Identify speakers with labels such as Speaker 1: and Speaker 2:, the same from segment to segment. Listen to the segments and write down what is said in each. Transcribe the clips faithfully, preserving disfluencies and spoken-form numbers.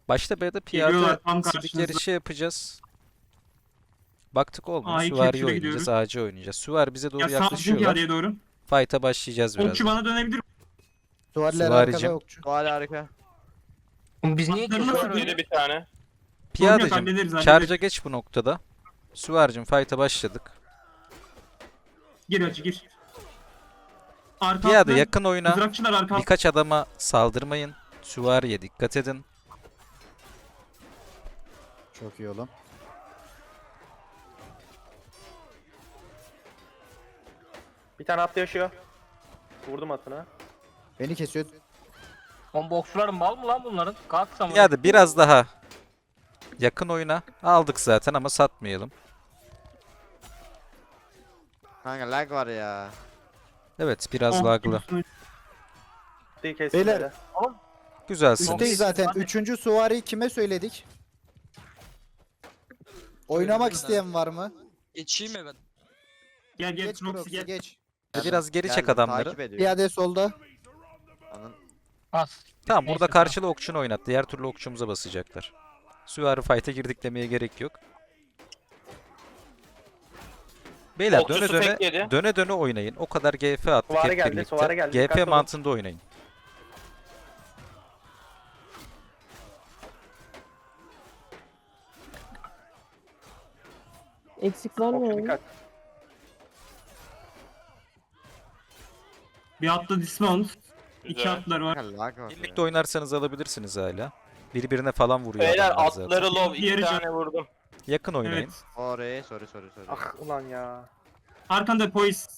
Speaker 1: Başta B'de
Speaker 2: Geliyorlar
Speaker 1: piyade
Speaker 2: tam
Speaker 1: sidik
Speaker 2: karşınızda.
Speaker 1: yarışı yapacağız. Baktık olmuyor.
Speaker 2: A'yı
Speaker 1: Süvari'yi
Speaker 2: capture'a
Speaker 1: oynayacağız.
Speaker 2: gidiyoruz.
Speaker 1: Ağacı oynayacağız. Süvari bize doğru
Speaker 2: Ya sağ bizim
Speaker 1: yaklaşıyorlar.
Speaker 2: piyadeye doğru.
Speaker 1: Fight'a başlayacağız
Speaker 2: Okçu
Speaker 1: birazdan.
Speaker 2: bana dönebilir.
Speaker 3: Süvariler
Speaker 1: Süvaricim.
Speaker 3: arkada okçu.
Speaker 4: Hala harika.
Speaker 5: Biz niye
Speaker 2: Atlarını
Speaker 5: kişi
Speaker 2: nasıl
Speaker 5: var
Speaker 2: yedi
Speaker 5: öyle?
Speaker 6: Bir tane.
Speaker 2: Sorun yok,
Speaker 1: Piyadecim
Speaker 2: hallederiz, hallederiz.
Speaker 1: charge'a geç bu noktada. Süvaricim fight'a başladık.
Speaker 2: Gir acı gir. Arka
Speaker 1: Piyade
Speaker 2: atlı,
Speaker 1: yakın oyuna.
Speaker 2: mızrakçılar arka atlı.
Speaker 1: Birkaç adama saldırmayın. Süvariye dikkat edin.
Speaker 3: Çok iyi oğlum.
Speaker 4: Bir tane atlı yaşıyor. Vurdum atına.
Speaker 3: Beni kesiyor.
Speaker 5: On boksçuların mal mı lan bunların? Kalksam.
Speaker 1: Piyade biraz daha yakın oyuna. Aldık zaten ama satmayalım.
Speaker 4: Kanka lag var ya.
Speaker 1: Evet biraz
Speaker 2: Oh,
Speaker 1: laglı.
Speaker 4: Atıyı kestim
Speaker 3: Beyler.
Speaker 4: hele.
Speaker 1: Güzelsiniz.
Speaker 3: Üstteyiz zaten.
Speaker 5: Hadi.
Speaker 3: Üçüncü süvariyi kime söyledik? Oynamak isteyen var mı?
Speaker 7: Geçeyim mi ben?
Speaker 2: Gel gel
Speaker 3: Geç
Speaker 2: Proxy
Speaker 3: Proxy
Speaker 2: gel.
Speaker 3: geç.
Speaker 1: Biraz geri çek
Speaker 4: Geldim,
Speaker 1: adamları.
Speaker 4: Takip ediyor.
Speaker 3: Piyade solda.
Speaker 4: Anın.
Speaker 5: Az.
Speaker 1: Tamam
Speaker 5: Neyse,
Speaker 1: burada karşılı okçunu oynat. Diğer türlü okçumuza basacaklar. Süvari fight'e girdik demeye gerek yok. Beyler döne
Speaker 6: Okçusu
Speaker 1: döne
Speaker 6: tek yedi.
Speaker 1: döne döne oynayın. O kadar G F attık
Speaker 4: Süvari
Speaker 1: hep
Speaker 4: geldi,
Speaker 1: birlikte.
Speaker 4: süvari geldi.
Speaker 1: G F
Speaker 4: Dikkatli olun.
Speaker 1: mantığında oynayın.
Speaker 8: Eksik var mı?
Speaker 4: Okçu
Speaker 8: ya?
Speaker 4: dikkat.
Speaker 2: Bir atlı dismount. İki
Speaker 6: Güzel.
Speaker 2: atlar var.
Speaker 4: Kanka lag var
Speaker 1: Birlikte
Speaker 4: ya.
Speaker 1: oynarsanız alabilirsiniz hala. Birbirine falan vuruyor
Speaker 6: Beyler
Speaker 1: adamlar zaten.
Speaker 6: atları low. iki
Speaker 2: Diğeri
Speaker 6: tane vurdum.
Speaker 1: Yakın oynayın.
Speaker 2: Evet.
Speaker 4: Sorry sorry sorry sorry.
Speaker 9: Ah ulan ya.
Speaker 2: Arkanda poise.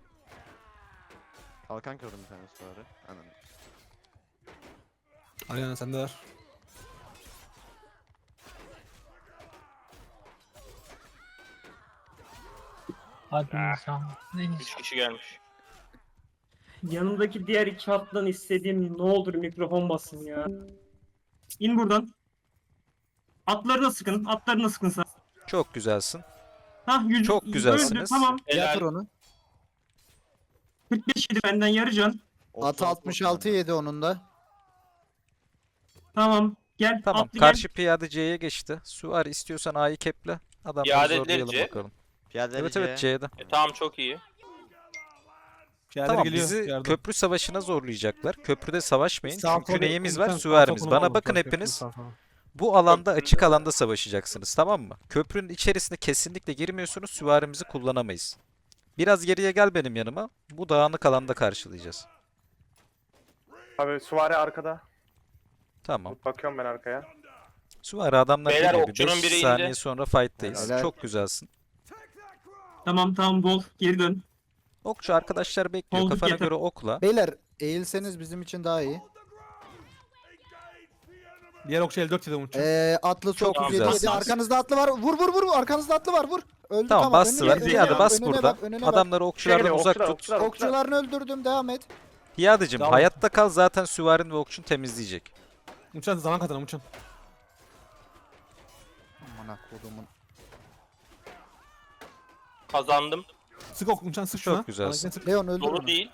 Speaker 4: Kalkan kırdım bir tane sonra. Anladım.
Speaker 9: Aynen sende var.
Speaker 5: Hadi insan. Neyse.
Speaker 6: üç kişi gelmiş.
Speaker 2: Yanımdaki diğer iki atlan istediğim ne olur mikrofon basın ya. İn buradan. Atlarına sıkın. Atlarına sıkın sen.
Speaker 1: Çok güzelsin.
Speaker 2: Hah yüz,
Speaker 1: Çok
Speaker 2: yüz
Speaker 1: güzelsiniz.
Speaker 2: öldü, tamam.
Speaker 3: Yatır
Speaker 6: Helal.
Speaker 3: onu.
Speaker 2: kırk beş yedi benden yarı can.
Speaker 3: Atı altmış altı yedi onun da.
Speaker 2: Tamam. Gel.
Speaker 1: Tamam.
Speaker 2: atlı
Speaker 1: Karşı piyade C'ye geçti. Süvari istiyorsan A'yı keple. Adamları
Speaker 6: Piyadeleri
Speaker 1: zorlayalım
Speaker 6: C.
Speaker 1: bakalım.
Speaker 4: Piyadeleri
Speaker 1: Evet evet C'de.
Speaker 6: E, tamam çok iyi.
Speaker 9: Piyadeler
Speaker 1: Tamam
Speaker 9: geliyor.
Speaker 1: bizi
Speaker 9: yardım.
Speaker 1: köprü savaşına zorlayacaklar. Köprüde savaşmayın.
Speaker 9: Sağ
Speaker 1: Çünkü
Speaker 9: kolu-
Speaker 1: neyimiz var?
Speaker 9: lütfen sağ
Speaker 1: Süvarimiz.
Speaker 9: kolunu
Speaker 1: Bana
Speaker 9: alın,
Speaker 1: bakın
Speaker 9: fark
Speaker 1: hepiniz.
Speaker 9: ettim, sağ kolu.
Speaker 1: Bu alanda açık alanda savaşacaksınız tamam mı? Köprünün içerisine kesinlikle girmiyorsunuz. Süvarimizi kullanamayız. Biraz geriye gel benim yanıma. Bu dağınık alanda karşılayacağız.
Speaker 9: Abi süvari arkada.
Speaker 1: Tamam.
Speaker 9: Bakıyorum ben arkaya.
Speaker 1: Süvari adamlar
Speaker 6: Beyler,
Speaker 1: geliyor. Bir
Speaker 6: okçunun
Speaker 1: beş
Speaker 6: biri indi.
Speaker 1: saniye sonra fight'tayız.
Speaker 3: Helal.
Speaker 1: Çok güzelsin.
Speaker 2: Tamam tamam bol. Geri dön.
Speaker 1: Okçu arkadaşlar bekliyor.
Speaker 2: Olduk
Speaker 1: Kafana
Speaker 2: yeter.
Speaker 1: göre okla.
Speaker 3: Beyler eğilseniz bizim için daha iyi.
Speaker 9: Diğer okçu elli dört yedi Umut'cum.
Speaker 3: Ee, atlı
Speaker 1: Çok
Speaker 3: çok
Speaker 1: güzel.
Speaker 3: yedi. Arkanızda atlı var. Vur vur vur. Arkanızda atlı var. Vur. Öldü
Speaker 1: Tamam
Speaker 3: tamam.
Speaker 1: bastılar.
Speaker 3: Önüne-
Speaker 1: Piyade
Speaker 3: önüne
Speaker 1: bas
Speaker 3: bak, önüne
Speaker 1: burada.
Speaker 3: bak, önüne bak.
Speaker 1: Adamları okçulardan
Speaker 9: Geliyor,
Speaker 1: uzak
Speaker 9: okçular,
Speaker 1: tut.
Speaker 9: okçular, okçular.
Speaker 3: Okçularını öldürdüm. Devam et.
Speaker 1: Piyadecim
Speaker 9: Devam.
Speaker 1: hayatta kal zaten süvarin ve okçun temizleyecek.
Speaker 9: Umutcan zaman kazan Umutcan.
Speaker 3: Aman kodumun.
Speaker 6: Kazandım.
Speaker 9: Sık ok Umutcan sık şuna.
Speaker 1: Çok güzelsin.
Speaker 9: Anakine sık.
Speaker 3: Leon öldür
Speaker 6: Dolu
Speaker 3: onu.
Speaker 6: değil.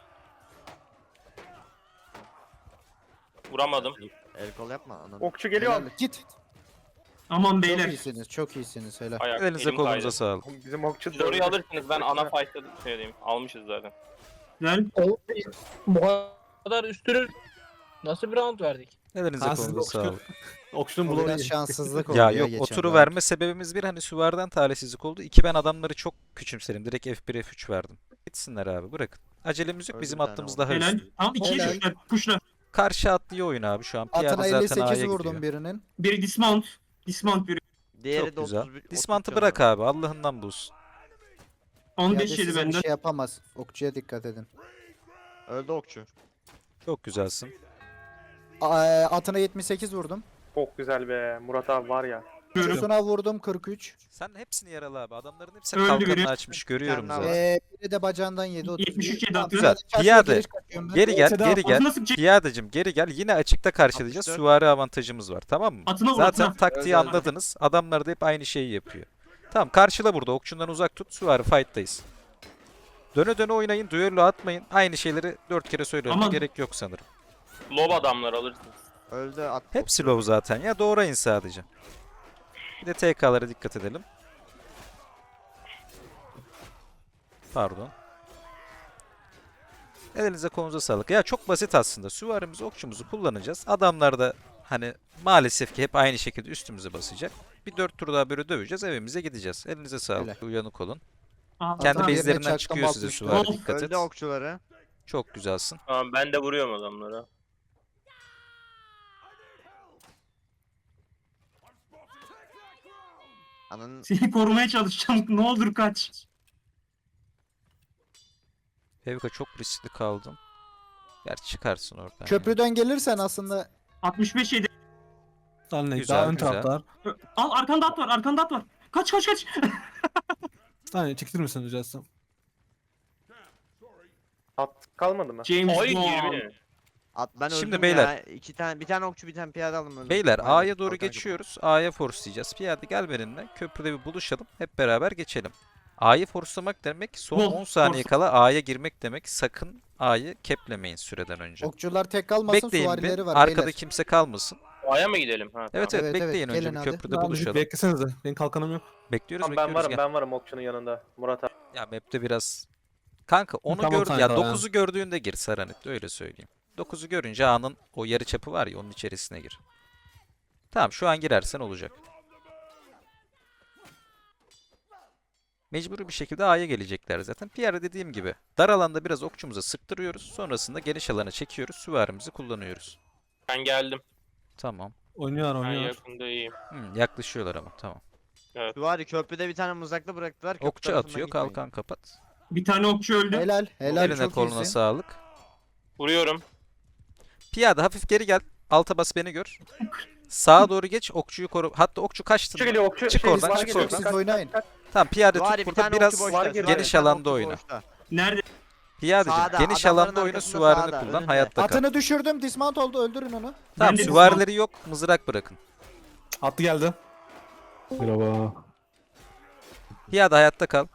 Speaker 6: Vuramadım.
Speaker 4: El kol yapma ananı.
Speaker 9: Okçu
Speaker 3: Helal. Git.
Speaker 2: Aman
Speaker 3: Çok
Speaker 2: beyler.
Speaker 3: iyisiniz. Çok iyisiniz. Helal.
Speaker 6: Ayak,
Speaker 1: Elinize
Speaker 6: elim
Speaker 1: kolunuza
Speaker 6: kaydı.
Speaker 1: sağlık.
Speaker 9: Bizim okçu
Speaker 6: Siz orayı alırsınız ben ana fight'ta şey diyeyim. Almışız zaten.
Speaker 2: Güzel.
Speaker 5: Bu kadar üstünü nasıl bir round verdik?
Speaker 1: Elinize
Speaker 9: Ha, siz
Speaker 1: kolunuza
Speaker 9: okçu-
Speaker 1: sağlık.
Speaker 9: Okçunun
Speaker 3: Bu
Speaker 9: bulu
Speaker 3: biraz
Speaker 9: iyi.
Speaker 3: şanssızlık oldu
Speaker 1: Ya
Speaker 3: ya
Speaker 1: yok
Speaker 3: geçen
Speaker 1: o turu
Speaker 3: round.
Speaker 1: verme sebebimiz bir hani süvariden talihsizlik oldu. İki ben adamları çok küçümserim. Direkt F bir F üç verdim. Gitsinler abi bırakın. Acelemiz yok
Speaker 4: Öldü
Speaker 1: bizim
Speaker 4: bir tane
Speaker 1: attığımız
Speaker 4: oldu.
Speaker 1: daha
Speaker 2: Helal.
Speaker 1: üstün.
Speaker 2: Tamam ikiye
Speaker 3: Helal.
Speaker 2: düşler. Puşla.
Speaker 1: Karşı atlıyor oyun abi şu an. Piyade
Speaker 3: Atına
Speaker 1: zaten
Speaker 3: elli sekiz
Speaker 1: A'ya
Speaker 3: vurdum
Speaker 1: gidiyor.
Speaker 3: birinin.
Speaker 2: Biri dismount. Dismount biri.
Speaker 4: Diğeri
Speaker 1: Çok
Speaker 4: de
Speaker 1: güzel.
Speaker 4: otuz bir-
Speaker 1: Dismantı
Speaker 4: otuz
Speaker 1: bırak
Speaker 4: canı var.
Speaker 1: abi Allah'ından bulsun.
Speaker 2: on
Speaker 3: Piyade
Speaker 2: beş yedi
Speaker 3: size bir
Speaker 2: benden.
Speaker 3: şey yapamaz. Okçuya dikkat edin.
Speaker 4: Öldü okçu.
Speaker 1: Çok güzelsin.
Speaker 3: A- Atına yetmiş sekiz vurdum.
Speaker 9: Çok güzel be. Murat abi var ya.
Speaker 2: Görüyorum.
Speaker 3: Şusuna vurdum kırk üç.
Speaker 1: Sen hepsini yaralı abi. Adamların hepsi
Speaker 2: Öldü
Speaker 1: kalkanını
Speaker 2: biri.
Speaker 1: açmış görüyorum
Speaker 4: Bir tane
Speaker 1: zaten.
Speaker 4: daha
Speaker 3: Ee, biri de bacağından yedi. otuz bir.
Speaker 2: yetmiş üç yedi
Speaker 3: Tamam,
Speaker 2: atıyor.
Speaker 1: Güzel.
Speaker 3: çarşıya
Speaker 1: Piyade.
Speaker 3: giriş kaçıyorum ben.
Speaker 1: Geri gel,
Speaker 9: Seda,
Speaker 1: geri gel.
Speaker 2: Atına sıkacak.
Speaker 1: Piyadecim geri gel. Yine açıkta karşılayacağız.
Speaker 4: altmış dört.
Speaker 1: Süvari avantajımız var tamam mı?
Speaker 2: Atına vur,
Speaker 1: Zaten
Speaker 2: atına.
Speaker 1: taktiği
Speaker 4: Özel.
Speaker 1: anladınız. Adamlar da hep aynı şeyi yapıyor. Tamam karşıla burada. Okçundan uzak tut. Süvari fight'tayız. Döne döne oynayın. Düello atmayın. Aynı şeyleri dört kere söylüyorum.
Speaker 2: Aman.
Speaker 1: Gerek yok sanırım.
Speaker 6: Lob adamlar alırsınız.
Speaker 7: Öldü at.
Speaker 1: Hepsi low zaten ya. Doğrayın sadece. Bir de T K'lara dikkat edelim. Pardon. Elinize kolunuza sağlık. Ya çok basit aslında. Süvarimizi, okçumuzu kullanacağız. Adamlar da hani maalesef ki hep aynı şekilde üstümüze basacak. Bir dört tur daha böyle döveceğiz. Evimize gideceğiz. Elinize sağlık.
Speaker 3: Öyle.
Speaker 1: Uyanık olun.
Speaker 2: Aa,
Speaker 1: Kendi
Speaker 3: Adam yerine
Speaker 1: base'lerinden
Speaker 3: çarktan
Speaker 1: çıkıyor size
Speaker 3: basmıştı.
Speaker 1: süvari.
Speaker 2: Of.
Speaker 1: Dikkat et.
Speaker 7: Öldü okçuları.
Speaker 1: Çok güzelsin.
Speaker 6: Tamam ben de vuruyorum adamlara.
Speaker 7: Ananın
Speaker 2: Seni korumaya çalışacağım. Ne olur kaç.
Speaker 1: Fevka çok riskli kaldım. Gerçi çıkarsın oradan. ya.
Speaker 3: Köprüden gelirsen aslında
Speaker 2: altmış beş yedi.
Speaker 9: Lan ne?
Speaker 1: Güzel,
Speaker 9: Daha ön
Speaker 1: güzel.
Speaker 9: taraftar.
Speaker 2: Al arkanda at var. Arkanda at var. Kaç kaç kaç.
Speaker 9: Hani çekilir misin rica etsem?
Speaker 4: At kalmadı mı?
Speaker 2: James
Speaker 6: Ay
Speaker 2: Bond.
Speaker 6: yirmi.
Speaker 7: at ben
Speaker 1: Şimdi
Speaker 7: öldüm
Speaker 1: beyler.
Speaker 7: ya. İki tane bir tane okçu bir tane piyade alın öldüm.
Speaker 1: Beyler
Speaker 7: Aynen,
Speaker 1: A'ya doğru
Speaker 7: kalkan
Speaker 1: geçiyoruz. A'ya forcelayacağız. Piyade gel benimle. Köprüde bir buluşalım. Hep beraber geçelim. A'yı forcelamak demek son
Speaker 2: Vol,
Speaker 1: on saniye
Speaker 2: force.
Speaker 1: kala A'ya girmek demek. Sakın A'yı keplemeyin süreden önce.
Speaker 3: okçular tek kalmasın,
Speaker 1: Bekleyin
Speaker 3: süvarileri
Speaker 1: bir.
Speaker 3: var
Speaker 1: Arkada
Speaker 3: beyler.
Speaker 1: kimse kalmasın.
Speaker 6: A'ya mı gidelim? Ha,
Speaker 1: Evet
Speaker 6: tamam.
Speaker 1: evet,
Speaker 3: Evet, evet,
Speaker 1: bekleyin önce
Speaker 3: gelin
Speaker 1: bir
Speaker 3: hadi.
Speaker 1: köprüde
Speaker 9: Tamam,
Speaker 1: buluşalım.
Speaker 9: beklesenize. Benim kalkanım yok.
Speaker 1: Bekliyoruz
Speaker 4: Tamam, ben
Speaker 1: bekliyoruz
Speaker 4: varım
Speaker 1: gel.
Speaker 4: ben varım okçunun yanında. Murat abi.
Speaker 1: Ya map'te biraz kanka onu
Speaker 9: Tamam,
Speaker 1: gör
Speaker 9: kanka
Speaker 1: ya
Speaker 9: ya.
Speaker 1: dokuzu gördüğünde gir Saranit öyle söyleyeyim. dokuzu görünce A'nın o yarı çapı var ya onun içerisine gir. Tamam şu an girersen olacak. Mecburi bir şekilde A'ya gelecekler zaten. Pierre dediğim gibi dar alanda biraz okçumuza sıktırıyoruz. Sonrasında geniş alana çekiyoruz. Süvarimizi kullanıyoruz.
Speaker 6: Ben geldim.
Speaker 1: Tamam.
Speaker 9: Oynuyorlar
Speaker 6: Ben
Speaker 9: oynuyorlar.
Speaker 6: yakında iyiyim.
Speaker 1: Hmm, yaklaşıyorlar ama tamam.
Speaker 7: Süvari köprüde bir tane mızraklı bıraktılar. köprü
Speaker 1: Okçu
Speaker 7: tarafından
Speaker 1: atıyor
Speaker 7: gitmeyin.
Speaker 1: kalkan kapat.
Speaker 2: Bir tane okçu öldü.
Speaker 3: Helal, helal,
Speaker 1: Eline
Speaker 3: çok
Speaker 1: koluna
Speaker 3: iyisin.
Speaker 1: sağlık.
Speaker 6: Vuruyorum.
Speaker 1: Piyade hafif geri gel. Alta bas beni gör. Sağa doğru geç okçuyu koru. Hatta okçu kaçtı.
Speaker 4: Okçu geliyor okçu.
Speaker 1: Çık
Speaker 4: Şey,
Speaker 1: oradan,
Speaker 4: var
Speaker 1: çık
Speaker 4: geliyor.
Speaker 1: oradan.
Speaker 3: Siz oynayın.
Speaker 1: Tamam piyade
Speaker 7: Süvari
Speaker 1: tut
Speaker 7: bir
Speaker 1: burada
Speaker 7: tane
Speaker 1: biraz
Speaker 7: okçu boşta.
Speaker 4: var,
Speaker 7: Süvari
Speaker 4: geniş
Speaker 7: bir
Speaker 1: geniş
Speaker 7: tane
Speaker 1: alanda
Speaker 7: okçu
Speaker 1: oyna.
Speaker 7: boşta.
Speaker 2: Nerede?
Speaker 1: Piyadeciğim
Speaker 7: Sağda,
Speaker 1: geniş
Speaker 7: adamların
Speaker 1: alanda oyna
Speaker 7: arkasında
Speaker 1: süvarini
Speaker 7: sağda,
Speaker 1: kullan
Speaker 7: önünde.
Speaker 1: hayatta kal.
Speaker 3: Atını düşürdüm, dismount oldu, öldürün onu.
Speaker 1: Tamam
Speaker 2: Ben de
Speaker 1: süvarileri yok mızrak bırakın.
Speaker 9: Attı geldi. Merhaba.
Speaker 1: Piyade hayatta kal.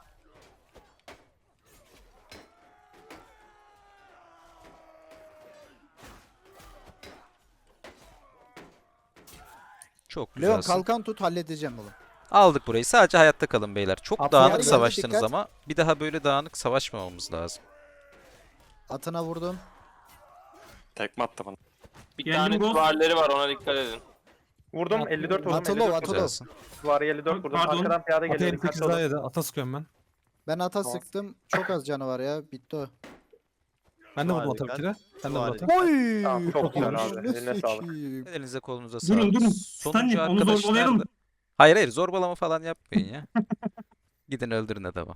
Speaker 1: Çok
Speaker 3: Leon
Speaker 1: güzelsin.
Speaker 3: kalkan tut, halledeceğim oğlum.
Speaker 1: Aldık burayı. Sadece hayatta kalın beyler. Çok
Speaker 9: Atlar
Speaker 1: dağınık
Speaker 3: geldi,
Speaker 1: savaştınız
Speaker 3: dikkat.
Speaker 1: ama bir daha böyle dağınık savaşmamamız lazım.
Speaker 3: Atına vurdum.
Speaker 8: Tekme attı bana.
Speaker 6: Bir
Speaker 2: Geldim,
Speaker 6: tane
Speaker 2: Ghost.
Speaker 6: duvarları var ona dikkat edin.
Speaker 4: Vurdum elli dört vurdum.
Speaker 3: Atılov,
Speaker 4: elli dört
Speaker 3: atılov.
Speaker 4: vurdum.
Speaker 1: Güzelsin.
Speaker 4: Var elli dört vurdum.
Speaker 2: Pardon.
Speaker 4: Arkadan piyade
Speaker 9: Atı
Speaker 4: geliyor.
Speaker 9: elli sekiz
Speaker 4: Dikkatli
Speaker 9: daha
Speaker 4: olun.
Speaker 9: yedi. Ata sıkıyorum ben.
Speaker 3: Ben ata
Speaker 4: Tamam.
Speaker 3: sıktım. Çok az canı var ya. Bitti o.
Speaker 7: Süvari
Speaker 9: Ben de vurdum ata bir
Speaker 7: dikkat.
Speaker 9: kere. Ben de vurdum
Speaker 7: Süvari
Speaker 9: ata.
Speaker 3: Oy!
Speaker 4: Tamam, çok güzel abi.
Speaker 3: Anasını
Speaker 4: Eline sağlık.
Speaker 3: sikeyim.
Speaker 1: Elinize kolunuza
Speaker 2: Durun,
Speaker 1: sağlık.
Speaker 2: durun.
Speaker 1: Sonuncu
Speaker 2: Stanley, onu
Speaker 1: arkadaş
Speaker 2: zorbalayalım.
Speaker 1: nerede? Hayır hayır zorbalama falan yapmayın ya. Gidin öldürün adamı.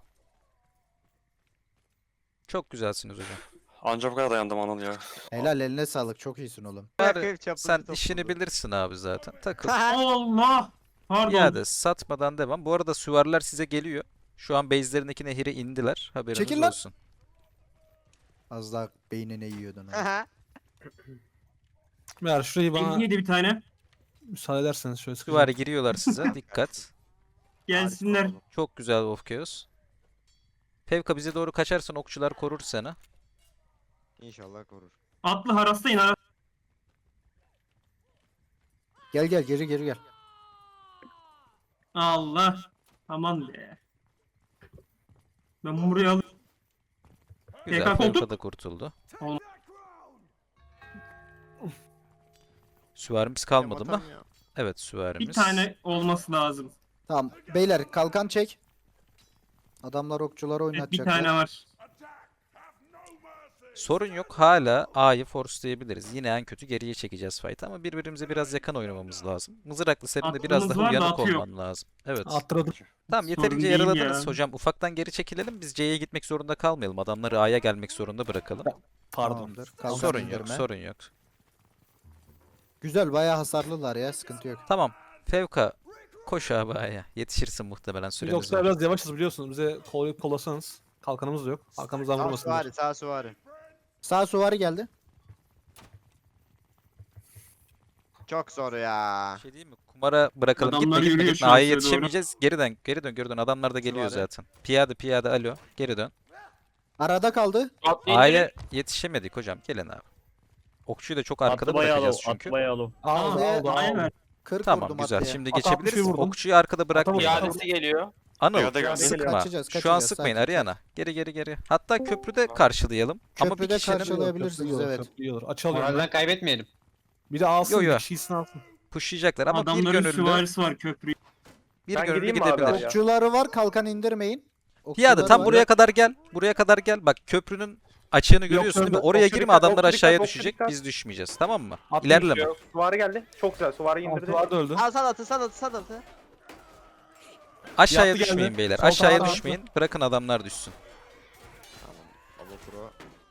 Speaker 1: Çok güzelsiniz hocam.
Speaker 8: Anca bu kadar dayandım Anıl ya.
Speaker 3: Helal, eline sağlık. Çok iyisin oğlum.
Speaker 1: Bari
Speaker 7: Çaprazı
Speaker 1: sen
Speaker 7: topladı.
Speaker 1: işini bilirsin abi zaten. Takıl.
Speaker 2: Allah. Pardon.
Speaker 1: İade satmadan devam. Bu arada süvariler size geliyor. Şu an base'lerindeki nehire indiler. Haberiniz
Speaker 3: Çekil lan.
Speaker 1: olsun.
Speaker 3: Az daha beynine yiyordun. ha.
Speaker 9: Meğer şurayı bana
Speaker 2: elli yedi bir tane.
Speaker 9: müsaade ederseniz şöyle sıkacağım.
Speaker 1: Süvari giriyorlar size. Dikkat.
Speaker 2: Gelsinler.
Speaker 1: Çok güzel Wolf Chaos. Fevka bize doğru kaçarsan okçular korur seni.
Speaker 7: İnşallah korur.
Speaker 2: Atlı harastayın. Haras.
Speaker 3: Gel gel, geri geri gel.
Speaker 2: Allah. Aman be. Ben buraya alayım.
Speaker 1: Güzel.
Speaker 2: Tekrar koltuk.
Speaker 1: Fevka da kurtuldu.
Speaker 2: Olmaz.
Speaker 1: Süvarimiz kalmadı mı?
Speaker 7: Atam ya.
Speaker 1: Evet süvarimiz.
Speaker 2: Bir tane olması lazım.
Speaker 3: Tamam. Beyler kalkan çek. Adamlar okçular
Speaker 2: Evet, bir
Speaker 3: oynatacaklar.
Speaker 2: tane var.
Speaker 1: Sorun yok. Hala A'yı forcelayabiliriz. Yine en kötü geriye çekeceğiz fight ama birbirimize biraz yakın oynamamız lazım. Mızraklı senin de biraz
Speaker 2: Aklımız
Speaker 1: daha
Speaker 2: var da
Speaker 1: uyanık
Speaker 2: atı yok.
Speaker 1: olman lazım. Evet.
Speaker 9: Attırdım.
Speaker 1: Tamam
Speaker 2: Sorun
Speaker 1: yeterince
Speaker 2: değil
Speaker 1: yaraladınız
Speaker 2: ya.
Speaker 1: hocam. Ufaktan geri çekilelim. Biz C'ye gitmek zorunda kalmayalım. Adamları A'ya gelmek zorunda bırakalım.
Speaker 9: Pardon.
Speaker 3: Tamamdır. Kalkan
Speaker 1: Sorun yok,
Speaker 3: indirme.
Speaker 1: sorun yok.
Speaker 3: Güzel, bayağı hasarlılar ya. Sıkıntı yok.
Speaker 1: Tamam. Fevka koş abi A'ya. Yetişirsin muhtemelen
Speaker 9: Biz
Speaker 1: süremiz
Speaker 9: okçular
Speaker 1: var.
Speaker 9: biraz yavaşız biliyorsunuz. Bize kollayıp kollasanız. Kalkanımız da yok. Arkamızdan
Speaker 7: Sağ
Speaker 9: vurmasınlar.
Speaker 7: süvari sağ süvari.
Speaker 3: Sağ suvari geldi.
Speaker 7: Çok zor ya.
Speaker 1: Bir şey diyeyim mi? Kumara bırakalım.
Speaker 2: Adamlar
Speaker 1: Gitme gitme
Speaker 2: yürüyor
Speaker 1: gitme.
Speaker 2: şu an
Speaker 1: A'ya
Speaker 2: size doğru.
Speaker 1: yetişemeyeceğiz. Geri dön. Geri dön. Geri dön. Adamlar da geliyor
Speaker 7: Süvari.
Speaker 1: zaten. Piyade piyade alo. Geri dön.
Speaker 3: Arada kaldı.
Speaker 6: Atlı
Speaker 1: A'ya
Speaker 6: indirin.
Speaker 1: yetişemedik hocam. Gelin abi. Okçuyu da çok arkada
Speaker 5: Atlı bayağı
Speaker 1: bırakacağız
Speaker 5: low.
Speaker 1: çünkü.
Speaker 5: Atlı bayağı low.
Speaker 9: Aldı
Speaker 3: Atlıya-
Speaker 9: aldı
Speaker 2: Aynen.
Speaker 9: aldı.
Speaker 3: kırk
Speaker 1: Tamam
Speaker 3: vurdum
Speaker 1: güzel.
Speaker 3: atlıya.
Speaker 1: Şimdi
Speaker 9: Ata altmış
Speaker 1: geçebiliriz.
Speaker 9: vurdum.
Speaker 1: Okçuyu arkada bırakmayın.
Speaker 9: vurdum.
Speaker 6: İadesi geliyor.
Speaker 1: Anıl
Speaker 8: Piyade geldi.
Speaker 1: sıkma.
Speaker 3: Kaçacağız,
Speaker 1: Şu an
Speaker 3: kaçacağız,
Speaker 1: sıkmayın
Speaker 3: sakin.
Speaker 1: Ariana. Geri geri geri. Hatta köprüde karşılayalım. Ama bir
Speaker 3: Köprüde
Speaker 1: kişinin
Speaker 3: karşılayabilirsiniz
Speaker 9: Köprü iyi olur,
Speaker 3: evet.
Speaker 9: köprü iyi olur. Açalım. ben.
Speaker 5: Moralden kaybetmeyelim.
Speaker 9: Bir de alsın.
Speaker 1: Yo, yo.
Speaker 9: Bir kişisini alsın.
Speaker 1: pushlayacaklar ama bir
Speaker 2: Adamların
Speaker 1: gönüllü
Speaker 2: süvarisi var köprüyü.
Speaker 1: bir
Speaker 4: Ben
Speaker 1: gönüllü
Speaker 4: gideyim mi abi
Speaker 1: gidebilir.
Speaker 4: araya?
Speaker 3: Okçuları var, kalkan indirmeyin.
Speaker 1: Piyade
Speaker 3: Okçuları
Speaker 1: tam
Speaker 3: var.
Speaker 1: buraya kadar gel. Buraya kadar gel. Bak köprünün açığını görüyorsun değil mi?
Speaker 9: şurada-
Speaker 1: Oraya
Speaker 4: okçu
Speaker 1: girme,
Speaker 4: dikkat,
Speaker 1: adamlar
Speaker 4: okçu
Speaker 1: aşağıya
Speaker 4: dikkat, okçu
Speaker 1: düşecek.
Speaker 4: dikkat.
Speaker 1: Biz düşmeyeceğiz. Tamam mı?
Speaker 9: Atlı
Speaker 1: İlerleme.
Speaker 4: Düşüyor. Suvari geldi. Çok güzel. Suvari indirdi.
Speaker 9: Altılar da öldü.
Speaker 7: Al sal atı sal atı sal atı.
Speaker 1: Aşağıya
Speaker 9: Yattı geldi.
Speaker 1: düşmeyin beyler.
Speaker 9: Sol
Speaker 1: Aşağıya
Speaker 9: tarafa
Speaker 1: düşmeyin. Bırakın adamlar düşsün.
Speaker 7: Tamam. Alo pro.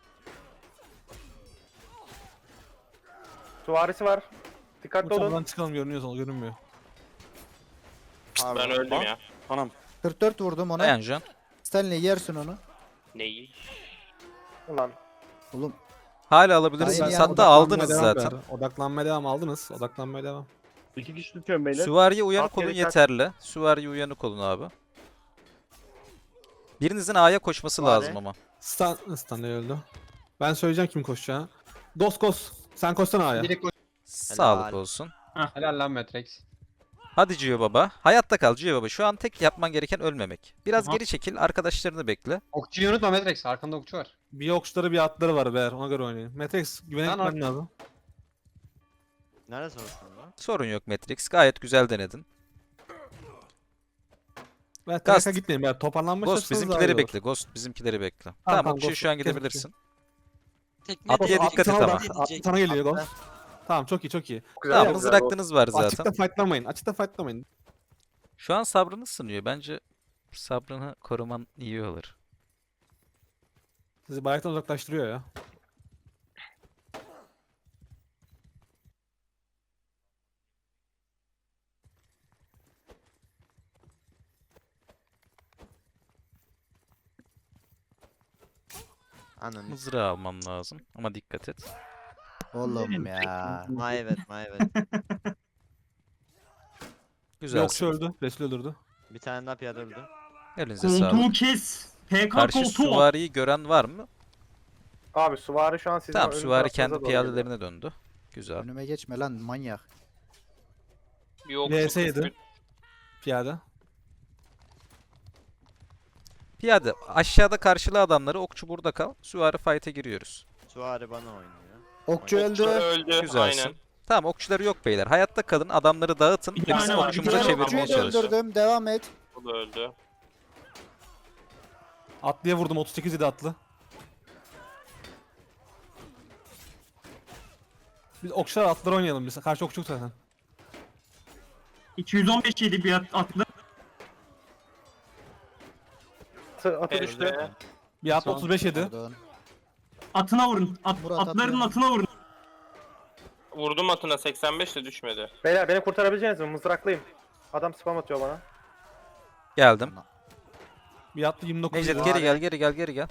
Speaker 4: Suvarisi var. Dikkatli olun.
Speaker 9: Uçaktan çıkalım görünüyor sonra görünmüyor.
Speaker 7: Pardon.
Speaker 6: Ben öldüm ya.
Speaker 8: Anam.
Speaker 3: kırk dört vurdum ona.
Speaker 1: Dayan Can.
Speaker 3: Stanley yersin onu.
Speaker 6: Neyi?
Speaker 4: Ulan.
Speaker 3: Oğlum
Speaker 1: Hala alabilirsiniz.
Speaker 3: Aynen ya,
Speaker 1: Hatta
Speaker 9: Odaklanmaya
Speaker 1: aldınız
Speaker 9: devam
Speaker 1: zaten.
Speaker 9: beyler. Odaklanmaya devam aldınız. Odaklanmaya devam.
Speaker 5: İki kişi tutuyorum beyler.
Speaker 1: Süvariye uyanık
Speaker 4: At
Speaker 1: olun
Speaker 4: gereken-
Speaker 1: yeterli. Süvariye uyanık olun abi. Birinizin A'ya koşması
Speaker 7: Süvari.
Speaker 1: lazım ama.
Speaker 9: Stan, Stanley öldü. Ben söyleyeceğim kim koşacağını. Ghost Ghost. Sen koşsana A'ya.
Speaker 5: Direkt koş.
Speaker 1: Sağlık olsun.
Speaker 5: Helal lan Matrix.
Speaker 1: Hadi Cio Baba. Hayatta kal Cio Baba. Şu an tek yapman gereken ölmemek. Biraz
Speaker 2: Aha.
Speaker 1: geri çekil. Arkadaşlarını bekle.
Speaker 5: Okçuyu unutma Matrix. Arkanda okçu var.
Speaker 9: Bir okçuları bir atları var beyler. Ona göre oynayın. Matrix güvene
Speaker 5: Lan
Speaker 9: gitmen lazım.
Speaker 7: Nerede sonuçta lan?
Speaker 1: Sorun yok Matrix. Gayet güzel denedin.
Speaker 9: Ben
Speaker 1: Ghost.
Speaker 9: Trak'a gitmeyin beyler. Toparlanma
Speaker 1: Ghost
Speaker 9: çalışsanız daha iyi
Speaker 1: bizimkileri
Speaker 9: olur.
Speaker 1: bekle. Ghost bizimkileri bekle. Tamam,
Speaker 9: tamam,
Speaker 1: okçuyu
Speaker 9: Ghost,
Speaker 1: şu an
Speaker 9: kes
Speaker 1: gidebilirsin.
Speaker 10: Tekne
Speaker 1: Atlıya
Speaker 10: de-
Speaker 1: dikkat et
Speaker 9: Sana
Speaker 1: ama.
Speaker 9: bak, at- Sana geliyor Ghost. Tamam çok iyi çok iyi.
Speaker 4: Güzel.
Speaker 1: Tamam
Speaker 4: güzel.
Speaker 1: mızraklınız var zaten.
Speaker 9: Açıkta fightlamayın. Açıkta fightlamayın.
Speaker 1: Şu an sabrını sınıyor. Bence sabrını koruman iyi olur.
Speaker 9: Sizi bayraktan uzaklaştırıyor ya.
Speaker 7: Ananı.
Speaker 1: Mızrağı alman lazım. Ama dikkat et.
Speaker 3: oğlum ya.
Speaker 7: Ma evet ma evet.
Speaker 9: Bir
Speaker 1: Güzel.
Speaker 9: okçu öldü. Resul öldürdü.
Speaker 7: Bir tane daha piyade öldü.
Speaker 1: Elinize sağlık.
Speaker 2: Koltuğu kes. P K
Speaker 1: Karşı
Speaker 2: koltuğu.
Speaker 1: süvariyi gören var mı?
Speaker 4: Abi Suvari şu an sizin
Speaker 1: Tamam
Speaker 4: ön
Speaker 1: süvari
Speaker 4: tarafınıza
Speaker 1: kendi
Speaker 4: doğru geliyor.
Speaker 1: piyadelerine döndü. Güzel.
Speaker 3: Önüme geçme lan manyak.
Speaker 6: Bir okçu
Speaker 9: V S yedi.
Speaker 6: köprü-
Speaker 9: Piyade.
Speaker 1: Piyade aşağıda karşıla adamları. Okçu burada kal. Süvari fight'e giriyoruz.
Speaker 7: Suari bana oynuyor.
Speaker 3: Okçu
Speaker 6: Okçu
Speaker 3: öldü.
Speaker 6: öldü.
Speaker 1: Güzelsin.
Speaker 6: Aynen.
Speaker 1: Tamam okçuları yok beyler. Hayatta kalın. Adamları dağıtın.
Speaker 2: Bir
Speaker 1: Ve bizim
Speaker 2: tane var, bir
Speaker 1: okçumuzu
Speaker 2: tane var.
Speaker 1: çevirmeye
Speaker 3: Okçuyu da
Speaker 1: çalışın.
Speaker 3: öldürdüm. Devam et.
Speaker 6: O da öldü.
Speaker 9: Atlıya vurdum. otuz sekiz yedi atlı. Biz okçular atları oynayalım biz. Karşı okçu yok zaten.
Speaker 2: iki yüz on beş yedi bir at- atlı.
Speaker 4: Atı, atı
Speaker 6: Elde.
Speaker 4: düştü.
Speaker 9: Bir atlı otuz beş yedi.
Speaker 3: Pardon.
Speaker 2: Atına vurun. At,
Speaker 3: Murat
Speaker 2: atların
Speaker 3: atmıyor.
Speaker 2: atına vurun.
Speaker 6: Vurdum atına seksen beş de düşmedi.
Speaker 4: Beyler beni kurtarabileceğiniz mi? Mızraklıyım. Adam spam atıyor bana.
Speaker 1: Geldim.
Speaker 9: Bir atlı yirmi dokuz
Speaker 1: Necdet
Speaker 9: yedi.
Speaker 1: geri gel geri gel geri gel.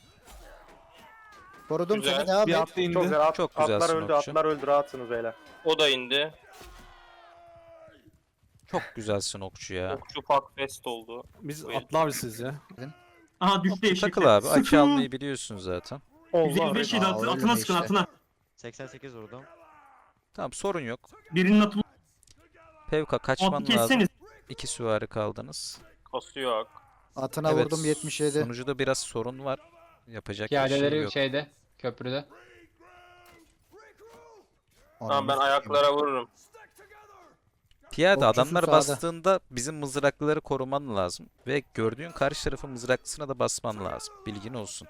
Speaker 3: Korudum
Speaker 6: Güzel.
Speaker 3: seni devam
Speaker 9: Bir
Speaker 3: et.
Speaker 9: atlı indi.
Speaker 4: Çok güzel. At,
Speaker 1: Çok
Speaker 4: atlar
Speaker 1: güzelsin
Speaker 4: öldü.
Speaker 1: okçu.
Speaker 4: Atlar öldü. Rahatsınız beyler.
Speaker 6: O da indi.
Speaker 1: Çok güzelsin okçu ya.
Speaker 6: Okçu fuck fest oldu.
Speaker 9: Biz
Speaker 6: Buyurun.
Speaker 9: atlı avcısıyız ya.
Speaker 2: Aha düştü eşekler.
Speaker 1: Takıl abi. Açı
Speaker 2: Sıkın.
Speaker 1: almayı biliyorsun zaten.
Speaker 2: yüz elli beş yedi
Speaker 3: Aa,
Speaker 2: atı,
Speaker 3: öyle
Speaker 2: atına
Speaker 3: mi
Speaker 2: sıkın
Speaker 3: işte?
Speaker 2: atına.
Speaker 7: seksen sekiz vurdum.
Speaker 1: Tamam sorun yok.
Speaker 2: Birinin atı
Speaker 1: Pevka kaçman
Speaker 2: atı
Speaker 1: lazım.
Speaker 2: kesseniz.
Speaker 1: İki süvari kaldınız.
Speaker 6: Kası yok.
Speaker 3: Atına
Speaker 1: Evet,
Speaker 3: vurdum yetmiş yedi.
Speaker 1: sonucuda biraz sorun var. Yapacak bir şey
Speaker 5: Piyadeleri
Speaker 1: yok.
Speaker 5: şeyde. Köprüde.
Speaker 6: Tamam ben ayaklara vururum.
Speaker 1: Piyade
Speaker 3: Okçusu
Speaker 1: adamlar
Speaker 3: sağda.
Speaker 1: bastığında bizim mızraklıları koruman lazım. Ve gördüğün karşı tarafın mızraklısına da basman lazım. Bilgin olsun.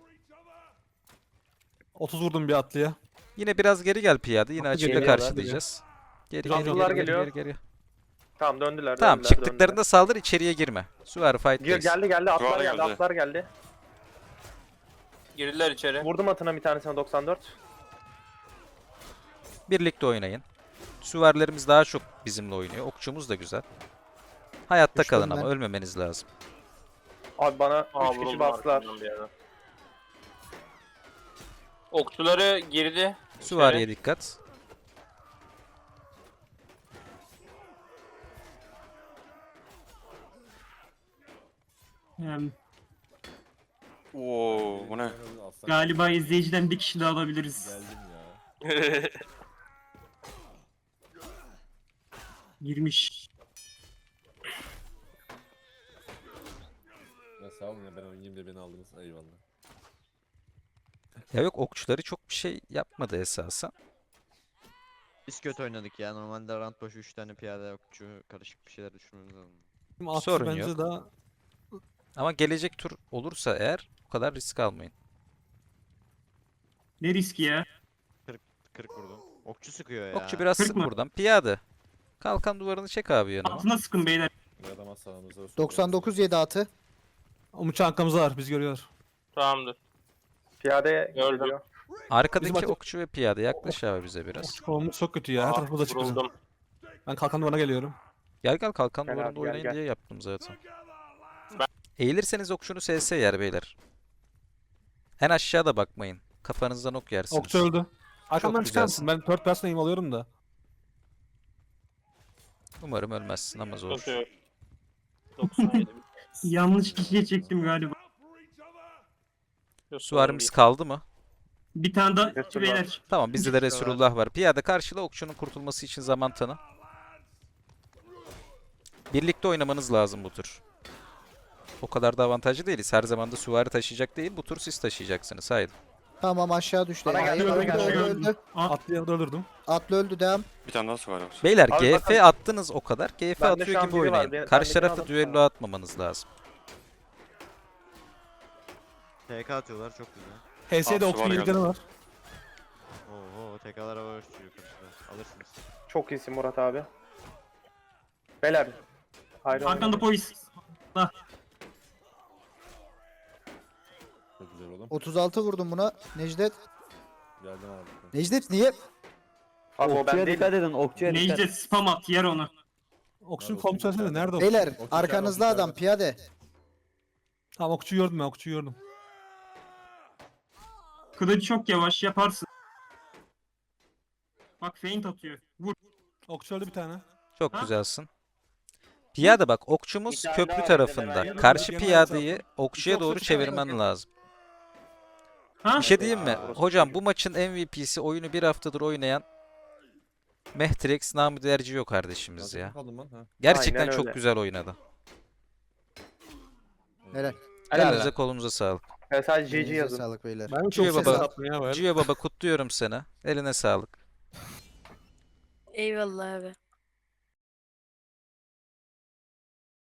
Speaker 9: otuz vurdum bir atlıya.
Speaker 1: Yine biraz geri gel piyade. Yine
Speaker 9: Atlı
Speaker 1: açıyla
Speaker 9: geliyorlar,
Speaker 1: karşılayacağız. Geri
Speaker 9: Biraz
Speaker 1: geri
Speaker 4: atlılar
Speaker 1: geri, geri
Speaker 4: geliyor.
Speaker 1: geri geri.
Speaker 4: Tamam döndüler.
Speaker 1: Tamam
Speaker 4: döndüler,
Speaker 1: çıktıklarında
Speaker 4: döndüler.
Speaker 1: saldır içeriye girme. Süvari
Speaker 4: Gir,
Speaker 1: fight'tayız.
Speaker 4: geldi geldi. Atlar
Speaker 8: Suvari
Speaker 4: geldi.
Speaker 8: geldi.
Speaker 4: Atlar geldi.
Speaker 6: Girdiler içeri.
Speaker 4: Vurdum atına bir tanesine doksan dört.
Speaker 1: Birlikte oynayın. Süvarilerimiz daha çok bizimle oynuyor. Okçumuz da güzel. Hayatta
Speaker 3: Düştüm
Speaker 1: kalın ama
Speaker 3: ben.
Speaker 1: ölmemeniz lazım.
Speaker 4: Abi bana
Speaker 6: Aa,
Speaker 4: üç kişi
Speaker 6: vuruldum
Speaker 4: bastılar.
Speaker 6: arkamdan bir yerden. Okçuları girdi.
Speaker 1: Süvariye dikkat.
Speaker 2: Yani
Speaker 8: Oo bu ne?
Speaker 2: galiba izleyiciden bir kişi daha alabiliriz. Girmiş.
Speaker 10: Ya sağ olun ya ben oynayayım diye beni aldınız. Eyvallah.
Speaker 1: Ya yok, okçuları çok bir şey yapmadı esasen.
Speaker 7: Biz kötü oynadık ya. Normalde round başı üç tane piyade okçu karışık bir şeyler düşünmemiz lazım.
Speaker 9: Şimdi atlı
Speaker 1: Sorun
Speaker 9: bence
Speaker 1: yok.
Speaker 9: daha
Speaker 1: Ama gelecek tur olursa eğer o kadar risk almayın.
Speaker 2: Ne riski ya?
Speaker 7: kırk vurdum. Okçu sıkıyor ya.
Speaker 1: Okçu biraz
Speaker 2: Kırk
Speaker 1: sık
Speaker 2: mı?
Speaker 1: buradan. Piyade. Kalkan duvarını çek abi yanıma.
Speaker 2: Atına sıkın beyler.
Speaker 10: Bir adam az sağımızda olsun.
Speaker 3: doksan dokuz yedi atı.
Speaker 9: Umutçu arkamızda var. Biz görüyoruz.
Speaker 6: Tamamdır.
Speaker 4: Piyade
Speaker 6: Gördüm.
Speaker 4: geliyor.
Speaker 1: Arkadaki
Speaker 9: Bizim atı-
Speaker 1: okçu ve piyade yaklaş abi bize biraz.
Speaker 9: Okçu konumuz çok kötü ya. Her
Speaker 6: Aa,
Speaker 9: tarafımız açık bizim.
Speaker 6: vuruldum.
Speaker 9: Ben kalkan duvarına geliyorum.
Speaker 1: Gel gel, kalkan
Speaker 4: Gel
Speaker 1: duvarında
Speaker 4: abi, gel,
Speaker 1: oynayın
Speaker 4: gel.
Speaker 1: diye yaptım zaten.
Speaker 6: Ben-
Speaker 1: Eğilirseniz okçunu S S yer beyler. En aşağıda bakmayın. Kafanızdan ok yersiniz.
Speaker 9: Okçu öldü. Arkamdan çıkar
Speaker 1: güzelsin.
Speaker 9: mısın? Ben third person aim alıyorum da.
Speaker 1: Umarım ölmezsin ama zor.
Speaker 6: Sıkıntı yok. doksan yedi.
Speaker 2: Yanlış kişiye çektim galiba.
Speaker 6: Yok, sorun
Speaker 1: Süvarimiz
Speaker 6: değil.
Speaker 1: kaldı mı?
Speaker 2: Bir tane daha
Speaker 4: Resulullah.
Speaker 2: beyler.
Speaker 1: Tamam, bizde de Resulullah var. Piyade karşıla, okçunun kurtulması için zaman tanı. Birlikte oynamanız lazım bu tur. O kadar da avantajlı değiliz. Her zaman da süvari taşıyacak değil. Bu tur siz taşıyacaksınız. Haydi.
Speaker 3: Tamam aşağı düştü.
Speaker 4: Bana geldi,
Speaker 3: Hayır,
Speaker 4: bana
Speaker 3: öldü,
Speaker 4: geldi.
Speaker 3: öldü, öldü.
Speaker 2: At.
Speaker 9: Atlı yanında öldürdüm.
Speaker 3: Atlı öldü devam.
Speaker 8: Bir tane daha su var var.
Speaker 1: Beyler
Speaker 4: Abi
Speaker 1: G
Speaker 4: bakın-
Speaker 1: F attınız o kadar. G F
Speaker 4: Bende şu
Speaker 1: atıyor
Speaker 4: an
Speaker 1: gibi
Speaker 4: biri var.
Speaker 1: oynayın.
Speaker 4: Ben-
Speaker 1: Karşı
Speaker 4: bendekini
Speaker 1: tarafta
Speaker 4: alıp-
Speaker 1: düello atmamanız lazım.
Speaker 7: T K atıyorlar çok güzel.
Speaker 9: H S'de
Speaker 8: Aa,
Speaker 9: okçu
Speaker 8: su var
Speaker 9: yedikleri
Speaker 8: geldi.
Speaker 9: var.
Speaker 7: Oo T K'lara var okçu karşıda. Alırsınız.
Speaker 4: Çok iyisin Murat abi. Beyler. Hayır.
Speaker 2: Arkanda polis.
Speaker 10: Çok güzel oğlum.
Speaker 3: otuz altı vurdum buna. Necdet.
Speaker 10: Geldim abi.
Speaker 3: Necdet niye?
Speaker 4: Abi o ben değilim.
Speaker 11: edin, okçuya
Speaker 2: Necdet spam at yer onu.
Speaker 9: Okçunun
Speaker 10: Nerede
Speaker 9: komutanı
Speaker 10: okçu?
Speaker 9: söylesene. Nerede okçu?
Speaker 3: Beyler
Speaker 10: Okçu
Speaker 3: arkanızda
Speaker 10: içeride,
Speaker 3: adam
Speaker 10: okçu
Speaker 3: piyade.
Speaker 9: Tamam okçuyu gördüm ben. Okçuyu gördüm.
Speaker 2: Kılıç çok yavaş yaparsın. Bak feint atıyor. Vur.
Speaker 9: Okçu öldü bir tane.
Speaker 1: Çok
Speaker 2: Ha?
Speaker 1: güzelsin. Piyade bak, okçumuz
Speaker 6: Bir tane
Speaker 1: köprü
Speaker 6: daha var,
Speaker 1: tarafında.
Speaker 6: bir de
Speaker 1: Karşı
Speaker 9: ben-
Speaker 1: piyadeyi okçuya
Speaker 9: İki okçu,
Speaker 1: doğru
Speaker 9: bir tane
Speaker 1: çevirmen
Speaker 3: okçu.
Speaker 1: lazım.
Speaker 2: Ha?
Speaker 1: Bir şey diyeyim mi?
Speaker 4: Aa, orası
Speaker 1: Hocam
Speaker 4: çocuğu.
Speaker 1: bu maçın M V P'si, oyunu bir haftadır oynayan Mehtrex namı derciyor kardeşimiz
Speaker 10: Nasıl
Speaker 1: ya.
Speaker 10: kaldım lan? Ha.
Speaker 1: Gerçekten
Speaker 4: Aynen
Speaker 1: çok
Speaker 4: öyle.
Speaker 1: güzel oynadı.
Speaker 3: Helal.
Speaker 1: Elinize kolunuza sağlık.
Speaker 4: Evet, sadece G G
Speaker 3: Elinize
Speaker 4: yazın.
Speaker 3: sağlık beyler.
Speaker 9: Ben çok
Speaker 1: Cüye
Speaker 9: ses
Speaker 1: baba.
Speaker 9: attım ya böyle.
Speaker 1: Cüye baba kutluyorum seni. Eline sağlık.
Speaker 12: Eyvallah abi.